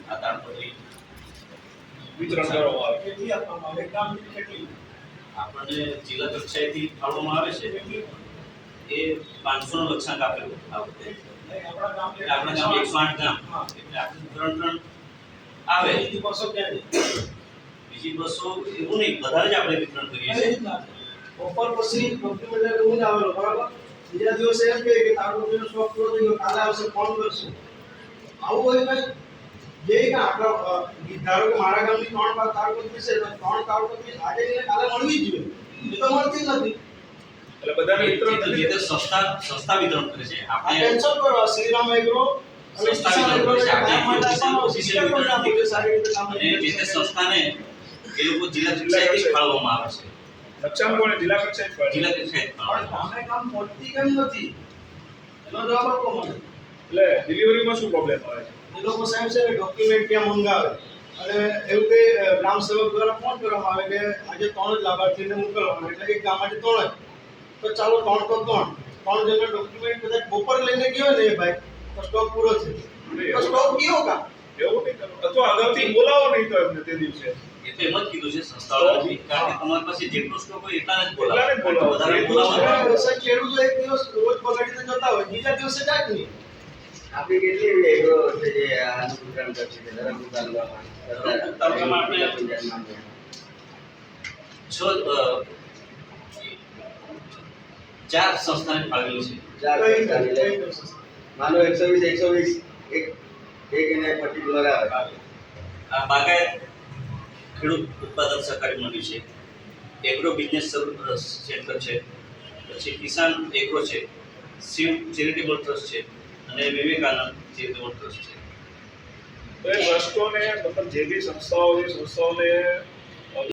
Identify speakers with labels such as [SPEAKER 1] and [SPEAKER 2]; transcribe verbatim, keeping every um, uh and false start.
[SPEAKER 1] આ તાળપત્રી
[SPEAKER 2] વિતરણ કરવામાં આવે
[SPEAKER 3] કેટલી આપવામાં આવે ગામ કેટલી
[SPEAKER 1] આપણને જિલ્લા કક્ષાએથી ફાળવવામાં આવે છે એ પાંચસો નું લક્ષ્યાંક આપેલું આ વખતે
[SPEAKER 3] આપણા ગામ
[SPEAKER 1] એટલે આપણા ગામ એકસો આઠ ગામ એટલે આપણે ત્રણ ત્રણ આવે
[SPEAKER 3] બીજી બસો ક્યાં
[SPEAKER 1] બીજી બસો એવું નહીં વધારે જ આપણે વિતરણ કરીએ
[SPEAKER 3] છે
[SPEAKER 1] છીએ
[SPEAKER 3] ઓફર પછી ડોક્યુમેન્ટ હું આવેલો બરાબર બીજા દિવસે એમ કહે કે તારો ડોક્યુમેન્ટ સ્ટોક પૂરો થઈ ગયો કાલે આવશે ફોન કરશું આવું હોય ને જે કે આપણા ધારો કે મારા ગામની ત્રણ વાર તાળપત્રી છે તો ત્રણ તાળપત્રી આજે ને કાલે મળવી જ જોઈએ એ તો મળતી જ નથી
[SPEAKER 2] એટલે બધાને વિતરણ
[SPEAKER 1] જે
[SPEAKER 2] કરી
[SPEAKER 1] તે સંસ્થા સંસ્થા વિતરણ કરે છે
[SPEAKER 3] આ
[SPEAKER 1] આપણે
[SPEAKER 3] કેન્સલ કરો શ્રીરામ એગ્રો અને
[SPEAKER 1] સંસ્થા
[SPEAKER 3] કિસાન
[SPEAKER 1] વિતરણ
[SPEAKER 3] એગ્રો
[SPEAKER 1] કરે છે
[SPEAKER 3] કામ
[SPEAKER 1] આપણે
[SPEAKER 3] માટે આપવાનો
[SPEAKER 1] ઓફિશિયલ
[SPEAKER 3] સિસ્ટમ
[SPEAKER 1] વિતરણ
[SPEAKER 3] પણ
[SPEAKER 1] નથી
[SPEAKER 3] સારી રીતે કામ
[SPEAKER 1] અને જે તે સંસ્થાને એ લોકો જિલ્લા કક્ષાએથી ફાળવવામાં આવે છે
[SPEAKER 2] લક્ષ્યાંક કોને જિલ્લા કક્ષાએ જ ફાળવે?
[SPEAKER 1] જિલ્લા કક્ષાએ
[SPEAKER 3] પણ
[SPEAKER 1] ફાળવવામાં
[SPEAKER 3] ગામે કામ પહોંચતી કેમ નથી એનો જવાબ આપો મને
[SPEAKER 2] એટલે ડિલિવરીમાં શું પ્રોબ્લેમ આવે છે?
[SPEAKER 3] એ લોકો સાહેબ છે ડોક્યુમેન્ટ ત્યાં મંગાવે અને એવું કે ગ્રામ સેવક દ્વારા ફોન કરવામાં આવે કે આજે ત્રણ જ લાભાર્થીને મોકલવાના એટલે એક ગામમાંથી ત્રણ જ તો ચાલો ત્રણ તો ત્રણ ત્રણ જણના ડોક્યુમેન્ટ કદાચ બપોર લઈને ગયો ને એ ભાઈ તો સ્ટોક પૂરો છે તો સ્ટોક ગયો કા
[SPEAKER 2] એવું નહીં કરવું અથવા અગાઉથી બોલાવો નહીં તો એમને તે દિવસે
[SPEAKER 1] એ તો એમ જ કીધું છે સંસ્થાઓને કારણ કે તમારી પાસે જેટલો સ્ટોક હોય એટલાને જ બોલાવો
[SPEAKER 2] એટલાને જ બોલાવો.
[SPEAKER 1] વધારે
[SPEAKER 2] એટલું
[SPEAKER 1] બોલાવવાનું
[SPEAKER 3] સાહેબ ખેડૂતો એક દિવસ રોજ બગાડીને જતા હોય બીજા દિવસે જાય જ નહીં
[SPEAKER 4] આપણી કેટલી એવી એગ્રો છે જે આનું વિતરણ કરશે છે ધરમપુર તાલુકામાં
[SPEAKER 1] તાલુકામાં આપણે છ અ, ચાર સંસ્થાને ફાળવેલું છે
[SPEAKER 4] ચાર
[SPEAKER 3] કઈ
[SPEAKER 4] સંસ્થાને
[SPEAKER 3] કઈ
[SPEAKER 4] એટલે
[SPEAKER 3] દિવસે?
[SPEAKER 4] માનો એકસો વીસ એકસો વીસ એક એક એને પર્ટિક્યુલર આવે
[SPEAKER 1] આ બાગાયત ખેડૂત ઉત્પાદક સહકારી મંડળી છે એગ્રો બિઝનેસ સેન્ટર છે પછી કિસાન એગ્રો છે શિવ ચેરિટેબલ ટ્રસ્ટ છે અને વિવેકાનંદ ચેરિટેબલ ટ્રસ્ટ છે
[SPEAKER 2] તો એ ટ્રસ્ટોને મતલબ જે બી સંસ્થાઓ છે સંસ્થાઓને